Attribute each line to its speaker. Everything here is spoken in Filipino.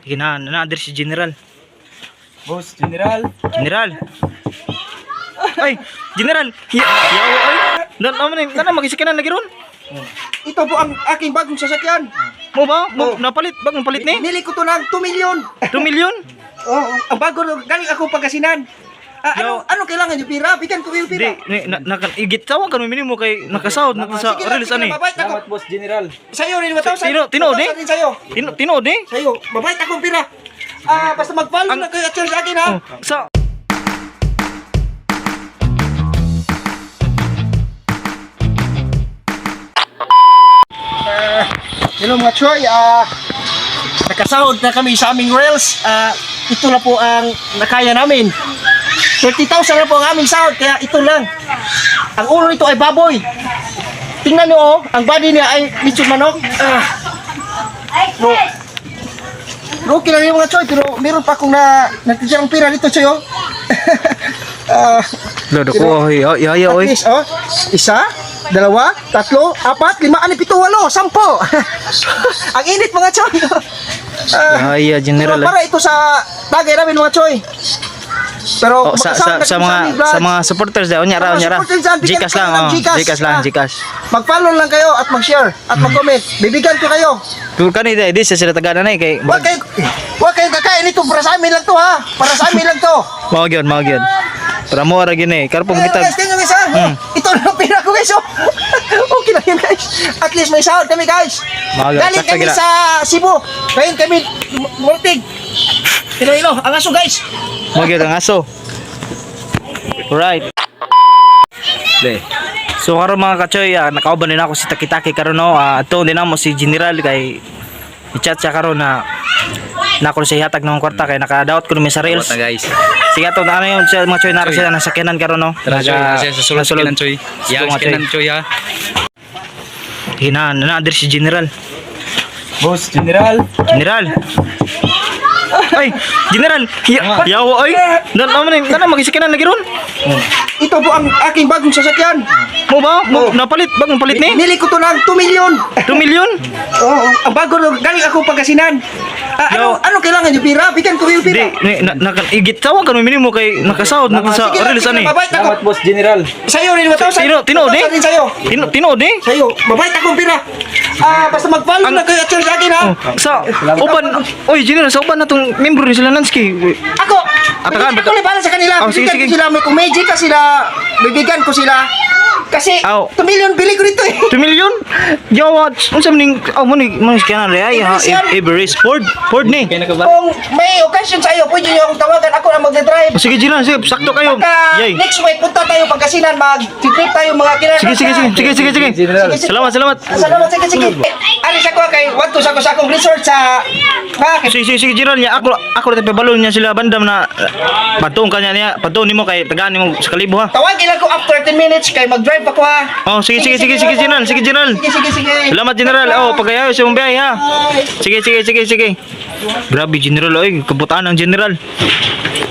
Speaker 1: Na-address si General.
Speaker 2: Boss, General.
Speaker 1: General. Ay, General. Yawa ay. Nana magisikinan lagi ron.
Speaker 3: Ito po ang aking bagong sasakyan.
Speaker 1: Mo ba? Napalit, bagong palit ni?
Speaker 3: Nili ko to ng 2 million.
Speaker 1: 2 million?
Speaker 3: Oh, ang bago galing ako Pangasinan. Ano kailangan yung pira? Bigyan ko yung pira.
Speaker 1: Igit tawag kan minimo kay nakasahod na sa release ani.
Speaker 2: Salamat, Boss General.
Speaker 3: Sa'yo rin, 1,000.
Speaker 1: Tinood eh?
Speaker 3: Sa'yo.
Speaker 1: Tinood eh?
Speaker 3: Sa'yo. Mabait akong pira. Basta mag-follow na kayo at share sa akin ha.
Speaker 1: Sa
Speaker 3: Hello mga Choy, nakasahod na kami sa aming rails. Ito na po ang nakaya namin. 30,000 na po ang aming sahod, kaya ito lang. Ang ulo nito ay baboy. Tingnan nyo, ang body niya ay lechon manok. Okay lang yung mga Choy, pero meron pa akong nagtitirang pira dito Choy.
Speaker 1: Lodo ko ya
Speaker 3: At
Speaker 1: oy.
Speaker 3: least, isa, dalawa, tatlo, apat, lima, anim, pito, walo, 10. Ang init mga Choy.
Speaker 1: Ya General.
Speaker 3: Pero para ito sa tagay namin mga Choy. Pero
Speaker 1: sa mga supporters daw nya ra. Gcash lang, Gcash.
Speaker 3: Mag-follow lang kayo at mag-share at mag-comment. Bibigyan ko kayo.
Speaker 1: Tur kanina di sa sila tagana na kay
Speaker 3: Huwag kayo kakain ito. Para sa amin lang to ha. Para sa amin lang to.
Speaker 1: mao gyud. Para mo ra gyud eh. Karpong kita.
Speaker 3: Guys, tingnan guys ha. Ito na ang pira ko guys. Okay lang yun guys. At least may sahod kami guys. Galing kami sa Cebu. Ngayon kami Multig. Iloilo. Ang aso guys.
Speaker 1: Mao gyud ang aso. Right. So karon mga kachoy, nakauban din ako si Taki-Taki karon no. Ato din mo si General kay i-chat siya karon na ako siya hatag ng kwarta kay nakadaot ko mi sa reels.
Speaker 2: Guys.
Speaker 1: Sige ato na yung mga choy naro sila nasa sakyanan karon no.
Speaker 2: Tara, Choy. Sa sulod sa Choy. Yang kanan, Choy ha.
Speaker 1: Na-address si General.
Speaker 2: Boss, General.
Speaker 1: General. Ay, General. Yawa ay. Nana magisikinan lagi ron.
Speaker 3: Ito po ang aking bagong sasakyan.
Speaker 1: Mo ba? Napalit, bagong palit ni?
Speaker 3: Nili ko to ng 2 million.
Speaker 1: 2 million?
Speaker 3: Oo, ang bago galing ako Pangasinan. Ano kailangan yung pira? Bigyan ko yung pira.
Speaker 1: Igit tawag kan minimo kay nakasahod na sa release ani.
Speaker 3: Mabait
Speaker 2: Salamat,
Speaker 3: ako.
Speaker 2: Boss General.
Speaker 3: Sa'yo rin, 1,000.
Speaker 1: Tinood eh?
Speaker 3: 1,000 sa'yo.
Speaker 1: Tinood eh?
Speaker 3: Sa'yo, mabait akong pira. Basta mag-follow na kayo at share sa akin ha.
Speaker 1: Sa uban, oy General, sa uban na tong membro ni sila Nansky.
Speaker 3: Ako,
Speaker 1: Atakan,
Speaker 3: ako libalan sa kanila.
Speaker 1: Oh, sige,
Speaker 3: Bibigyan
Speaker 1: sige.
Speaker 3: ko sila, kung may Gcash sila, bibigyan ko sila. Kasi, 2 million bili ko dito eh.
Speaker 1: 2 million? Yawa, unsa maning maning kana re ay ha Everest Ford ni.
Speaker 2: Kaya na ka ba?
Speaker 3: Kung may occasion sa iyo, pwede niyo akong tawagan. Ako na magdadrive.
Speaker 1: Sige General, sige, sakto kayo. Yay.
Speaker 3: Next week, punta tayo Pangasinan, mag-trip tayo mga kinarap.
Speaker 1: Sige.
Speaker 2: General.
Speaker 1: Salamat.
Speaker 3: Salamat, sige. Alis ako kay Wantos ako sa akong resort sa...
Speaker 1: Sige General niya, ako rin pabalon niya sila bandam na patong kanya niya, patong nimo kay tagaan nimo sa kalibo ha.
Speaker 3: Tawagin ako after 10 minutes kay mag-drive ako ha.
Speaker 1: Oh, sige General.
Speaker 3: Sige.
Speaker 1: Salamat General. Oh, pagayaw sa mong biyahe ha. Sige. Grabe General, oy, kabutaan ng General.